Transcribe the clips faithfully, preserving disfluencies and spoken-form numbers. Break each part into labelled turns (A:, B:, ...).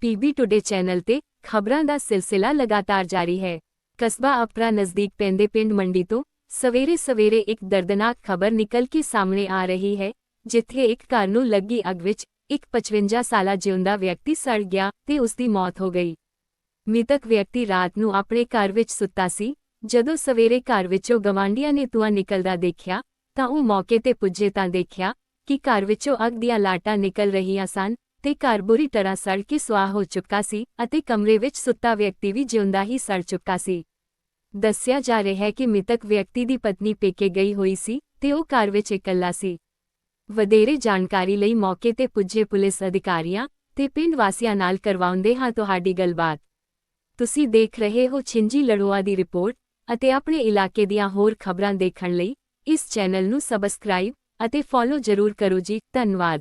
A: PB today channel ਤੇ ਖਬਰਾਂ ਦਾ ਸਿਲਸਿਲਾ ਲਗਾਤਾਰ ਜਾਰੀ ਹੈ। ਕਸਬਾ ਅਪਰਾ ਨਜ਼ਦੀਕ ਪੈਂਦੇ ਪਿੰਡ ਮੰਡੀ ਤੋਂ ਸਵੇਰੇ ਸਵੇਰੇ ਇੱਕ ਦਰਦਨਾਕ ਖਬਰ ਨਿਕਲ ਕੇ ਸਾਹਮਣੇ ਆ ਰਹੀ ਹੈ, ਜਿੱਥੇ ਇੱਕ ਘਰ ਨੂੰ ਲੱਗੀ ਅੱਗ ਵਿੱਚ ਇੱਕ ਪਚਵੰਜਾ ਸਾਲਾ ਜਿਉਂਦਾ ਵਿਅਕਤੀ ਸੜ ਗਿਆ ਤੇ ਉਸ ਦੀ ਮੌਤ ਹੋ ਗਈ। ਮ੍ਰਿਤਕ ਵਿਅਕਤੀ ਰਾਤ ਨੂੰ ਆਪਣੇ ਘਰ ਵਿੱਚ ਸੁੱਤਾ ਸੀ। ਜਦੋਂ ਸਵੇਰੇ ਘਰ ਵਿੱਚੋਂ ਗਵਾਂਢੀਆਂ ਨੇ ਧੂੰਆਂ ਨਿਕਲਦਾ ਦੇਖਿਆ ਤਾਂ ਉਹ ਮੌਕੇ ਤੇ ਪੁੱਜੇ ਤਾਂ ਦੇਖਿਆ ਕਿ ਘਰ ਵਿੱਚੋਂ ਅੱਗ ਦੀਆਂ ਲਾਟਾਂ ਨਿਕਲ ਰਹੀਆਂ ਸਨ ਤੇ ਘਰ ਬੁਰੀ ਤਰ੍ਹਾਂ ਸੜ ਕੇ ਸੁਆਹ ਹੋ ਚੁੱਕਾ ਸੀ ਅਤੇ ਕਮਰੇ ਵਿੱਚ ਸੁੱਤਾ ਵਿਅਕਤੀ ਵੀ ਜਿਉਂਦਾ ਹੀ ਸੜ ਚੁੱਕਾ ਸੀ। ਦੱਸਿਆ ਜਾ ਰਿਹਾ ਹੈ ਕਿ ਮ੍ਰਿਤਕ ਵਿਅਕਤੀ ਦੀ ਪਤਨੀ ਪੇਕੇ ਗਈ ਹੋਈ ਸੀ ਤੇ ਉਹ ਘਰ ਵਿੱਚ ਇਕੱਲਾ ਸੀ। ਵਧੇਰੇ ਜਾਣਕਾਰੀ ਲਈ ਮੌਕੇ ਤੇ ਪੁੱਜੇ ਪੁਲਿਸ ਅਧਿਕਾਰੀਆਂ ਤੇ ਪਿੰਡ ਵਾਸੀਆਂ ਨਾਲ ਕਰਵਾਉਂਦੇ ਹਾਂ ਤੁਹਾਡੀ ਗੱਲਬਾਤ। ਤੁਸੀਂ ਦੇਖ ਰਹੇ ਹੋ ਛਿੰਜੀ ਲੜੋਆ ਦੀ ਰਿਪੋਰਟ ਅਤੇ ਆਪਣੇ ਇਲਾਕੇ ਦੀਆਂ ਹੋਰ ਖਬਰਾਂ ਦੇਖਣ ਲਈ ਇਸ ਚੈਨਲ ਨੂੰ ਸਬਸਕ੍ਰਾਈਬ ਅਤੇ ਫੋਲੋ ਜ਼ਰੂਰ ਕਰੋ ਜੀ। ਧੰਨਵਾਦ।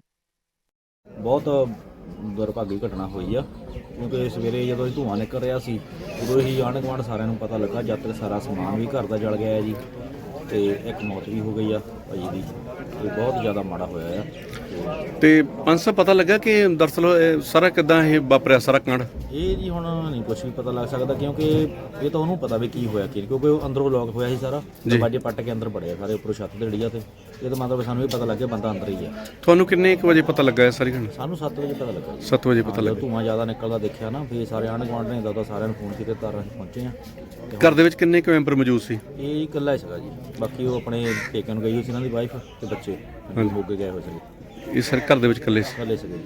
B: ਬਹੁਤ ਦੁਰਭਾਗੀ ਘਟਨਾ ਹੋਈ ਆ, ਕਿਉਂਕਿ ਸਵੇਰੇ ਜਦੋਂ ਧੂੰਆਂ ਨਿਕਲ ਰਿਹਾ ਸੀ ਉਦੋਂ ਹੀ ਆਂਢ ਗੁਆਂਢ ਸਾਰਿਆਂ ਨੂੰ ਪਤਾ ਲੱਗਾ। ਜਦ ਤੱਕ ਸਾਰਾ ਸਮਾਨ ਵੀ ਘਰ ਦਾ ਜਲ ਗਿਆ ਹੈ ਜੀ, ਤੇ ਇੱਕ ਮੌਤ ਵੀ ਹੋ ਗਈ ਆ ਭਾਜੀ ਦੀ, ਤੇ ਬਹੁਤ ਜ਼ਿਆਦਾ ਮਾੜਾ ਹੋਇਆ ਆ।
C: ਤੇ ਪੰਜ ਸੌ ਪਤਾ ਲੱਗਾ ਕਿ ਦਰਅਸਲ ਇਹ ਸਾਰਾ ਕਿੱਦਾਂ ਇਹ ਵਾਪਰਿਆ ਸਾਰਾ ਕਾਂਡ? ਇਹ
B: ਜੀ ਹੁਣ ਨਹੀਂ ਕੁਝ ਵੀ ਪਤਾ ਲੱਗ ਸਕਦਾ, ਕਿਉਂਕਿ ਇਹ ਤਾਂ ਉਹਨੂੰ ਪਤਾ ਵੀ ਕੀ ਹੋਇਆ ਕੀ, ਕਿਉਂਕਿ ਉਹ ਅੰਦਰੋਂ ਲੋਕ ਹੋਇਆ ਸੀ ਸਾਰਾ, ਦਰਵਾਜ਼ੇ ਪੱਟ ਕੇ ਅੰਦਰ ਵੜਿਆ ਸਾਰੇ, ਉੱਪਰੋਂ ਛੱਤ ਤੇ ਡਿੱਗਿਆ। ਤੇ ਇਹ ਤਾਂ ਮਤਲਬ ਸਾਨੂੰ ਵੀ ਪਤਾ ਲੱਗ ਗਿਆ ਬੰਦਾ ਅੰਦਰ ਹੀ ਆ।
C: ਤੁਹਾਨੂੰ ਕਿੰਨੇ ਕੁ ਵਜੇ ਪਤਾ ਲੱਗਾ ਇਹ ਸਾਰੀ ਘਟਨਾ?
B: ਸਾਨੂੰ ਸੱਤ ਵਜੇ ਪਤਾ ਲੱਗਾ।
C: ਸੱਤ ਵਜੇ ਪਤਾ ਲੱਗਾ।
B: ਧੂੰਆਂ ਜ਼ਿਆਦਾ ਨਿਕਲਦਾ ਦੇਖਿਆ ਨਾ, ਫਿਰ ਸਾਰੇ ਆਂਢ ਗੁਆਂਢ ਨੇ ਦਾਦਾ ਸਾਰਿਆਂ ਨੂੰ ਫੋਨ ਕੀਤੇ, ਤਾਂ ਅਸੀਂ ਪਹੁੰਚੇ ਆ।
C: ਘਰ ਦੇ ਵਿੱਚ ਕਿੰਨੇ ਕੁ ਮੈਂਬਰ ਮੌਜੂਦ ਸੀ?
B: ਇਹ ਇਕੱਲਾ ਸੀਗਾ ਜੀ, ਬਾਕੀ ਉਹ ਆਪਣੇ ਪੇਕਿਆਂ ਨੂੰ ਗਈ ਹੋਈ ਸੀ, ਇਹਨਾਂ ਦੀ ਵਾਈਫ ਤੇ ਬੱਚੇ ਮੋਗੇ ਗਏ ਹੋਏ ਸੀ।
C: ਇਹ ਸਰ ਘਰ ਦੇ ਵਿੱਚ ਇਕੱਲੇ ਸੀ?
B: ਇਕੱਲੇ ਸੀਗੇ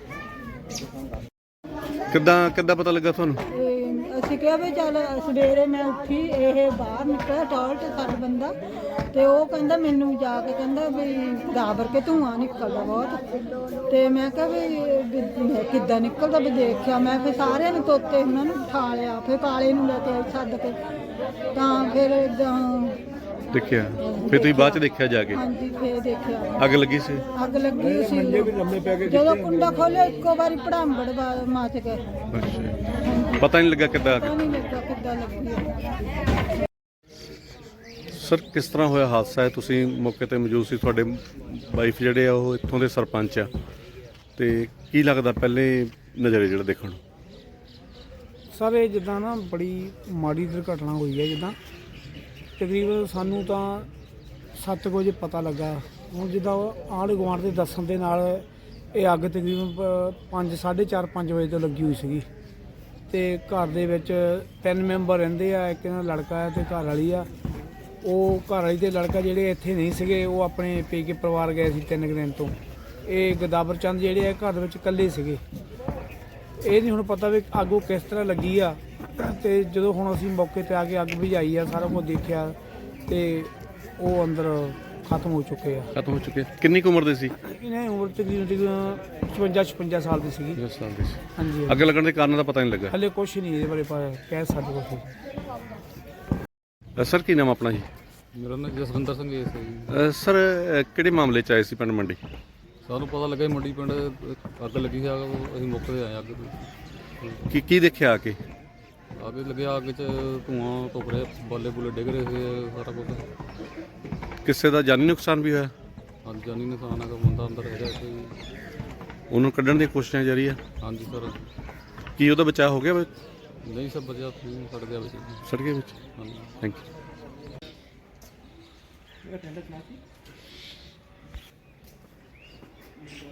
B: ਜੀ।
C: ਕਿੱਦਾਂ ਕਿੱਦਾਂ ਪਤਾ ਲੱਗਾ ਤੁਹਾਨੂੰ?
D: ਅਸੀਂ ਕਿਹਾ ਵੀ ਚੱਲ ਸਵੇਰੇ ਮੈਂ ਉੱਠੀ, ਇਹ ਬਾਹਰ ਨਿਕਲਿਆ ਟਾਇਲਟ ਸਾਡਾ ਬੰਦਾ, ਤੇ ਉਹ ਕਹਿੰਦਾ ਮੈਨੂੰ ਜਾ ਕੇ ਕਹਿੰਦਾ ਵੀ ਗਾਬਰ ਕੇ ਧੂੰਆਂ ਨਿਕਲਦਾ ਬਹੁਤ। ਤੇ ਮੈਂ ਕਿਹਾ ਵੀ ਕਿੱਦਾਂ ਨਿਕਲਦਾ ਵੀ ਦੇਖਿਆ ਮੈਂ, ਫਿਰ ਸਾਰਿਆਂ ਨੂੰ ਤੋਤੇ ਉਹਨਾਂ ਨੂੰ ਉਠਾ ਲਿਆ, ਫਿਰ ਕਾਲੇ ਨੂੰ ਲੈ ਕੇ ਆਈ ਸੱਦ ਕੇ, ਤਾਂ ਫਿਰ
C: ਦੇਖਿਆ। ਫਿਰ ਤੁਸੀਂ ਬਾਅਦ ਚ ਦੇਖਿਆ ਜਾ ਕੇ?
D: ਹਾਂਜੀ, ਫਿਰ ਦੇਖਿਆ
C: ਅੱਗ ਲੱਗੀ ਸੀ।
D: ਅੱਗ ਲੱਗੀ ਸੀ। ਜਦੋਂ ਕੁੰਡਾ ਖੋਲਿਆ ਇੱਕੋ ਵਾਰੀ ਭੜਾਂਬੜ ਮੱਚ ਗਏ।
C: ਪਤਾ ਨਹੀਂ ਲੱਗਾ ਕਿੱਦਾਂ?
D: ਪਤਾ ਨਹੀਂ ਲੱਗਾ ਕਿੱਦਾਂ ਲੱਗੀ।
C: ਸਰ ਕਿਸ ਤਰ੍ਹਾਂ ਹੋਇਆ ਹਾਦਸਾ ਹੈ? ਤੁਸੀਂ ਮੌਕੇ ਤੇ ਮੌਜੂਦ ਸੀ, ਤੁਹਾਡੇ ਵਾਈਫ ਜਿਹੜੇ ਆ ਉਹ ਇੱਥੋਂ ਦੇ ਸਰਪੰਚ ਆ, ਤੇ ਕੀ ਲੱਗਦਾ ਪਹਿਲੇ ਨਜ਼ਰੇ ਜਿਹੜਾ ਦੇਖਣ ਨੂੰ?
E: ਸਰ ਇਹ ਜਿੱਦਾਂ ਨਾ ਬੜੀ ਮਾੜੀ ਦੁਰਘਟਨਾ ਹੋਈ ਹੈ। ਜਿੱਦਾਂ ਤਕਰੀਬਨ ਸਾਨੂੰ ਤਾਂ ਸੱਤ ਵਜੇ ਪਤਾ ਲੱਗਾ। ਹੁਣ ਜਿੱਦਾਂ ਆਂਢ ਗੁਆਂਢ ਦੇ ਦੱਸਣ ਦੇ ਨਾਲ ਇਹ ਅੱਗ ਤਕਰੀਬਨ ਪੰਜ ਸਾਢੇ ਚਾਰ ਪੰਜ ਵਜੇ ਤੋਂ ਲੱਗੀ ਹੋਈ ਸੀਗੀ, ਅਤੇ ਘਰ ਦੇ ਵਿੱਚ ਤਿੰਨ ਮੈਂਬਰ ਰਹਿੰਦੇ ਆ। ਇੱਕ ਇਹਨਾਂ ਲੜਕਾ ਹੈ ਅਤੇ ਘਰ ਵਾਲੀ ਆ। ਉਹ ਘਰ ਵਾਲੀ ਅਤੇ ਲੜਕਾ ਜਿਹੜੇ ਇੱਥੇ ਨਹੀਂ ਸੀਗੇ, ਉਹ ਆਪਣੇ ਪੇਕੇ ਪਰਿਵਾਰ ਗਏ ਸੀ ਤਿੰਨ ਕੁ ਦਿਨ ਤੋਂ। ਇਹ ਗਦਾਵਰ ਚੰਦ ਜਿਹੜੇ ਆ ਘਰ ਦੇ ਵਿੱਚ ਇਕੱਲੇ ਸੀਗੇ। ਇਹ ਨਹੀਂ ਹੁਣ ਪਤਾ ਵੀ ਅੱਗ ਉਹ ਕਿਸ ਤਰ੍ਹਾਂ ਲੱਗੀ ਆ। ਅਤੇ ਜਦੋਂ ਹੁਣ ਅਸੀਂ ਮੌਕੇ 'ਤੇ ਆ ਕੇ ਅੱਗ ਬੁਝਾਈ ਆ, ਸਾਰਾ ਕੁਝ ਦੇਖਿਆ, ਅਤੇ ਉਹ ਅੰਦਰ ਖਤਮ ਹੋ ਚੁੱਕੇ ਆ।
C: ਖਤਮ ਹੋ ਚੁੱਕੇ। ਕਿੰਨੀ ਕੁ ਉਮਰ ਦੇ ਸੀ?
E: ਇਹਨਾਂ ਦੀ ਉਮਰ ਤਕਰੀਬਨ ਤਕਰੀਬਨ ਪਚਵੰਜਾ ਛਪੰਜਾ ਸਾਲ ਦੀ ਸੀਗੀ।
C: ਦਸ ਸਾਲ ਦੀ ਸੀ।
E: ਹਾਂਜੀ।
C: ਅੱਗ ਲੱਗਣ ਦੇ ਕਾਰਨ ਦਾ ਪਤਾ ਨਹੀਂ ਲੱਗਾ
E: ਹਲੇ ਕੁਛ ਨਹੀਂ ਇਹਦੇ ਬਾਰੇ ਪਤਾ ਕਹਿ ਸਕਦੇ ਕੁਛ।
C: ਸਰ ਕੀ ਨਾਮ ਆਪਣਾ ਜੀ?
F: ਮੇਰਾ ਨਾਮ ਜਸਵਿੰਦਰ ਸਿੰਘ ਹੈ ਜੀ।
C: ਸਰ ਕਿਹੜੇ ਮਾਮਲੇ 'ਚ ਆਏ ਸੀ ਪਿੰਡ ਮੰਡੀ?
F: ਸਾਨੂੰ ਪਤਾ ਲੱਗਾ ਮੰਡੀ ਪਿੰਡ ਅੱਗ ਲੱਗੀ ਸੀ, ਅਸੀਂ ਮੌਕੇ 'ਤੇ ਆਏ। ਅੱਗ
C: ਕੀ ਕੀ ਦੇਖਿਆ ਆ ਕੇ?
F: ਅੱਗ ਲੱਗਿਆ, ਅੱਗ 'ਚ ਧੂੰਆਂ ਧੁੱਪ ਰਿਹਾ, ਬਾਲੇ ਬੁਲੇ ਡਿੱਗ ਰਹੇ ਸੀ, ਸਾਰਾ ਕੁਛ।
C: ਕਿਸੇ ਦਾ ਜਾਨੀ ਨੁਕਸਾਨ ਵੀ ਹੋਇਆ?
F: ਹਾਂਜੀ, ਜਾਨੀ ਨੁਕਸਾਨ ਹੈਗਾ, ਬੰਦਾ ਅੰਦਰ ਹੈਗਾ ਇੱਥੇ।
C: ਉਹਨੂੰ ਕੱਢਣ ਦੀਆਂ ਕੋਸ਼ਿਸ਼ਾਂ ਜਾਰੀ ਆ?
F: ਹਾਂਜੀ ਸਰ।
C: ਕੀ ਉਹਦਾ ਬਚਾਅ ਹੋ ਗਿਆ?
F: ਨਹੀਂ ਸਭ ਵਧੀਆ, ਸੜ ਗਿਆ ਵਿੱਚ।
C: ਸੜ ਗਿਆ ਵਿੱਚ?
F: ਹਾਂਜੀ।
C: Thank you.